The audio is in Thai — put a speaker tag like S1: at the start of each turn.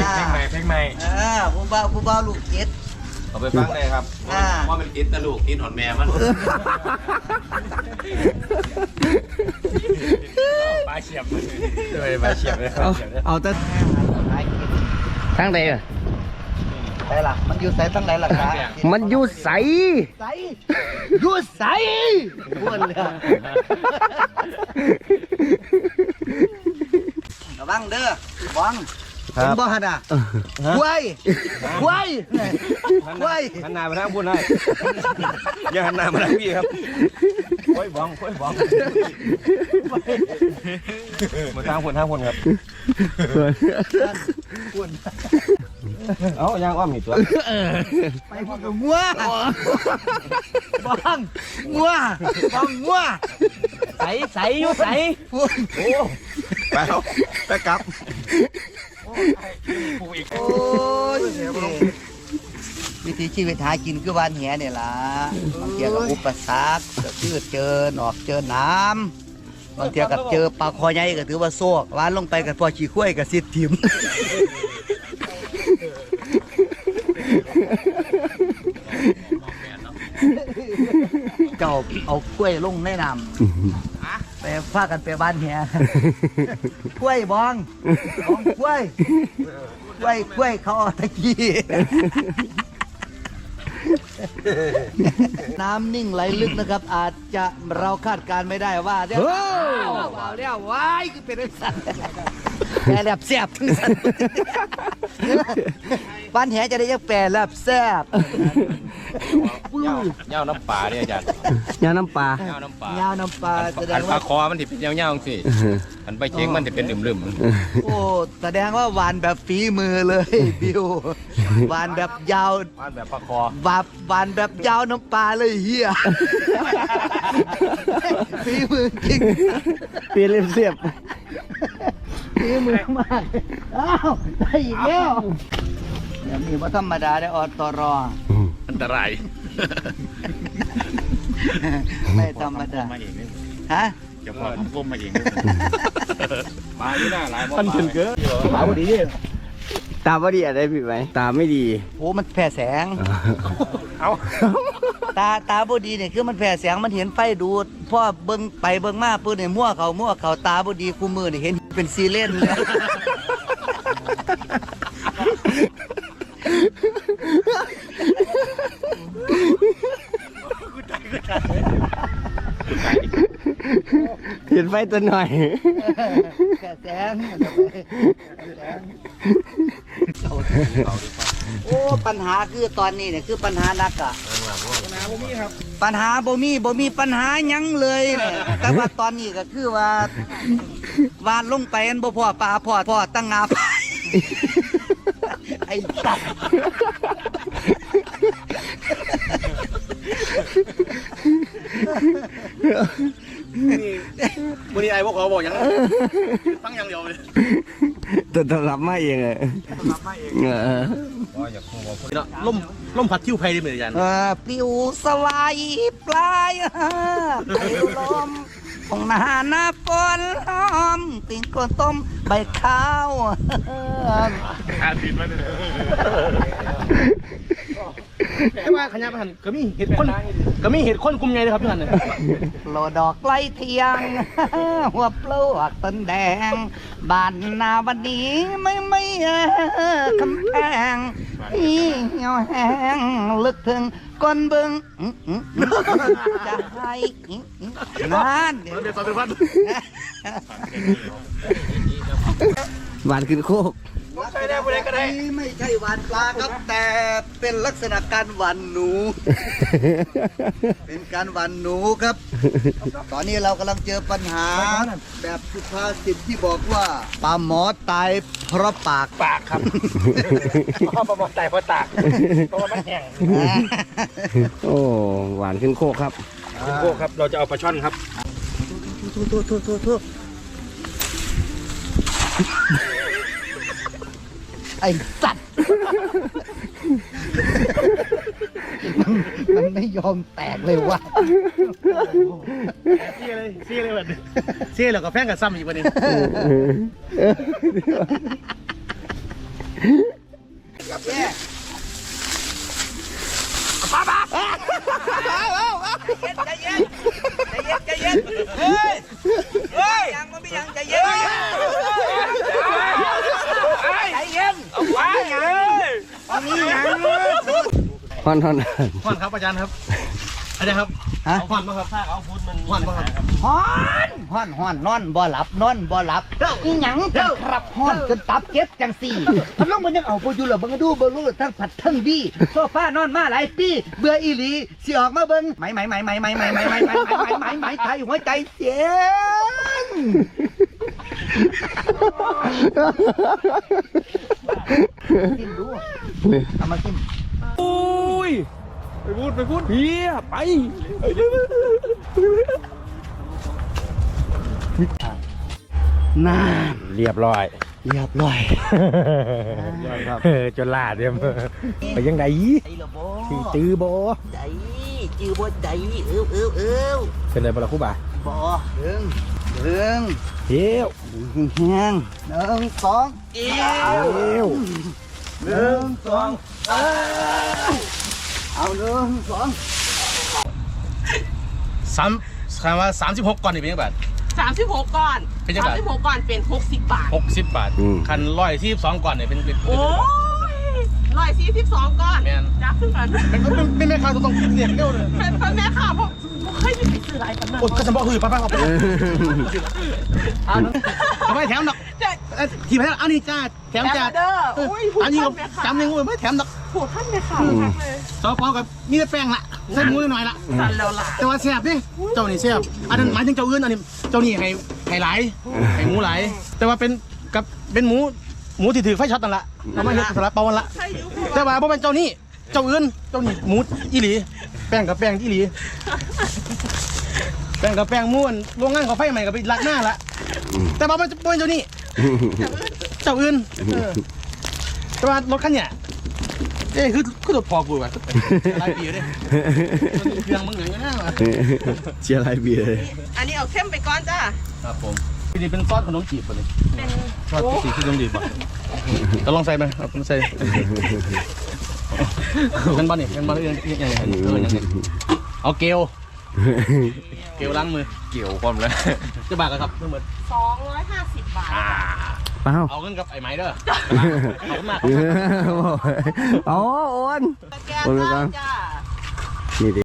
S1: เพลงใหม่
S2: ผู้บ่าวลูกเจ็ด
S1: เอาไปฟังเลยครับว่ามันติดตะลูกติดหอนแม่มันปลาเฉียบเลยปลาเฉียบเลย
S3: เอาแต่ทั้งใดอ่ะ
S2: ใส่ล่ะมันอยู่ใส่ทั้งไหนล่ะครับ
S3: มันอยู่ใส
S2: อยู่ใส่พูดเลยระวังเด้อบังเห็นบ่ฮันอ่ะควาย
S1: หันหน้ามาทางพุ่นได้อย่าหันหน้ามาทางพี่ครับค่อยบ้องมาทางพุ่นครับเอาย่างอ้อมนี่ตัว
S2: ไปพุ่นกับงัวบังงัว
S3: ใสอยู่ใส
S2: พุ่น
S1: โอ้ไปกลับ
S2: โอ้ยวิธีชีวิตหากินคือวานแหเนี่ยล่ะบางทีกับอุปสรรคก็คือเจอหนอกเจอน้ำบางทีกับเจอปลาคอใหญ่ก็ถือว่าโซกวานลงไปกับพอขี้ข้วยกับสิทธิ์ถิ่มเจ้าเอากล้วยลงในน้ำไปพากันไปบ้านแหกล้วยบองกล้วยเขาตะกี้น้ำนิ่งไหลลึกนะครับอาจจะเราคาดการไม่ได้ว่าเดี๋ยวว้ายคือเป็นสัตว์แปรแลบแซ่บทั้งสัตว์บ้านแหจะได้ยังแปรแลบแซ่บ
S1: เงาน้ำปลาเนี่ยอาจารย์
S3: ยาน้ำปลา
S2: แสดง
S1: ปลา
S2: ว่า
S1: คอมันติดเป็นเงาๆสิอันไปเช็งมันติดเป็นลืม
S2: โอ้แสดงว่าหวานแบบฝีมือเลยบิวหวานแบบยาว
S1: หวานแบบปลาคอ
S2: หวานแบบยาวน้ำปลาเลยเฮียฝีมือจริง
S3: ปีเล็บเสียบ
S2: ฝีมือมากอ้าวได้อีกแล้วอย่างนี้ว่าธรรมดาได้อตร
S1: อันตราย
S2: ไม่ธรรมดาฮะ
S1: จะพอผมก้มมาเองมาที่หน้าหลายมัน
S3: ถึงเกินตาพอดีอะไรผิดไหมตาไม่ดี
S2: โอ้มันแผ่แสง
S1: เอา
S2: ตาบดีเนี่ยคือมันแผ่แสงมันเห็นไฟดูดพ่อเบิ้งไปเบิ้งมาปืนเนี่ยมั่วเขาตาบดีคู่มือเนี่ยเห็นเป็นซีเลนเลย
S3: เห็นไฟตัวหน่อย
S2: แผ่แสงโอ้ปัญหาคือตอนนี้เนี่ยคือปัญหานักอะปัญหาบ่มีปัญหายังเลยเนี่ยแต่ว่าตอนนี้ก็คือว่าวานลงไปอันบ่พอปลาพอตั้งงาไปไอ้สัตว์
S1: วันนี้ไอ้พวกเขาบอกยังตั้งยังเดียวเลย
S3: ตัวรับมาเองเลย
S1: ล่มพัดคิ้วไพได้เหมือนกัน
S2: ปลิวสลายปลายปลิวลมของหน้าฝนหอมติ่งก้นต้มใบข้าว
S1: ติดมาเลยแต่ว่าขยับหันก็มีเห็ดคนกลุ่มใหญ่เลยครับพี่หัน
S2: โลดอกไล่เทียงหัวปลวกต้นแดงบ้านนาวันนี้ไม่คำแพงเหี่ยวแห้งลึกถึงก้นบึงจะให้นานเดี๋ยว
S3: หวานขึ้นโคก
S1: ใช่ได้ผู้ใดก็ได้
S2: ไม่ใช่หวานปลาครับแต่เป็นลักษณะการหวานหนูเป็นการหวานหนูครับตอนนี้เรากำลังเจอปัญหาแบบสุภาษิตที่บอกว่าปลาหมอตายเพราะปาก
S1: ครับปลาหมอตายเพราะปากเพราะว่ามันแห้ง
S3: โอ้หวานขึ้นโคกครับ
S1: เราจะเอาปลาช่อนครับ
S2: ทุไอ้สัตว์มันไม่ยอมแตกเลยว่ะ
S1: เสียเลยแบบเสียแล้วก็แพงกับซ้ำอีกวันนี้
S2: ใจเย็นเฮ้ยยังมันไม่ยังใจเย็นใจเย็นเอาไว้อันนี้ยัง
S3: ฮอน
S1: ห่อนครับอาจารย์ครับอาจารย์ครับห่อนป่ะครับถ้าเอาฟุตมันห่อนป่ะครับ
S2: ฮ้อนนอนบ่หลับอีหยังจังครับฮ้อนจนตับเจ็บจังสี่พัดลมมันยังเอาบ่อยู่เหรอเบิ่งดูบ่รู้ทั้งผัดทั้งดีโซฟานอนมาหลายปีเบื่ออีหลีสิออกมาเบิ่งไหมไทยหัวใจเสียงกินดูเอามากิน
S1: โอ้ยไปพูดเพียไป
S2: น่า
S1: เรียบร้อย
S3: ครับ
S1: จนลาดเนี่ยไปยังไง
S2: ไอ้ละโบ
S1: ตื้อโบ
S2: ใจจือบ่ใจ
S1: เป็นไรบ้างล่ะครูบ่า
S2: บ่ดึง
S1: เฮียว
S2: แห้ง1 2เอว1 2เอา1 2
S4: คำว่า36ก่อนนี่เป็นยังไงบาท
S5: 36ก่อน
S4: เป็นจังหวะ
S5: 36ก่อนเป็น60 บาท
S4: 60 บาทคัน142ก่อนเนี่ยเป็น
S5: โอ้ย142ก่อน
S4: แม่น
S5: จับขึ้นก่อน
S4: เป็นแม่ค้าต้องเรียกเร็วเลย
S5: เป็นแม่ค่ะผมเคยไปซื้ออะไรกันนะ
S4: โอ้ก็จะบอกหือป้าครับทำไมแถมดอกทีไปแล้วอันนี้จ้าแถมจ้า
S5: เด้ออุ้ยพูด
S4: อันนี้
S5: ขั้นแม่ค่ะ
S4: จำยังไม่แถมดอก
S5: พูดขั้นแม่ค่ะเลย
S4: ซอฟต์กับมีแต่แป้งละใส่หมูหน่อยละ
S5: สั่นแล้วล่ะ
S4: แต่ว่าแซ่บนี่เจ้านี่แซ่บอันนั้นหมายถึงเจ้าอื่นอันนี้เจ้านี่ให้หลายให้หมูหลายแต่ว่าเป็นหมูที่ถือไฟช็อตนั่นแหละเอามาเฮ็ดสลัดเปาวันละ
S5: ใช่ยุค
S4: แต่ว่าบ่เป็นเจ้านี่เจ้าอื่นเจ้านี่หมูอีหลีแป้งกับแป้งอีหลีแป้งกับแป้งม้วนโรงงานเขาไฟใหม่กับไปลักหน้าละแต่ว่ามันจะเป็นเจ้านี่เจ้าอื่นแต่ว่ารถคันเนี่ยคือรถพอกูว่ะหลายปีเลยเครื่องมึงเหลืองนะ
S3: เชียร์ไรเบียร์เลย
S5: อันนี้เอาเข้มไปก่อนจ้า
S4: ครับผมนี่เป็นซอสขนมจีบป่ะนี่
S5: เป็น
S4: ซอสสีขนมจีบป่ะจะลองใส่ไหมเอาลองใส่กันบ้านนี่กันบ้านยังเอาเกลล้างมือ
S1: เกี่ยวความแล้ว
S4: จะบาทกันครับทั้งหมด
S5: 250 บาท
S3: เปล่า
S4: เอาเงินกับไอ้ไม้เด้อขอบคุณมาก
S3: อ๋อโอน
S5: แกนจ้า
S3: นี่ดิ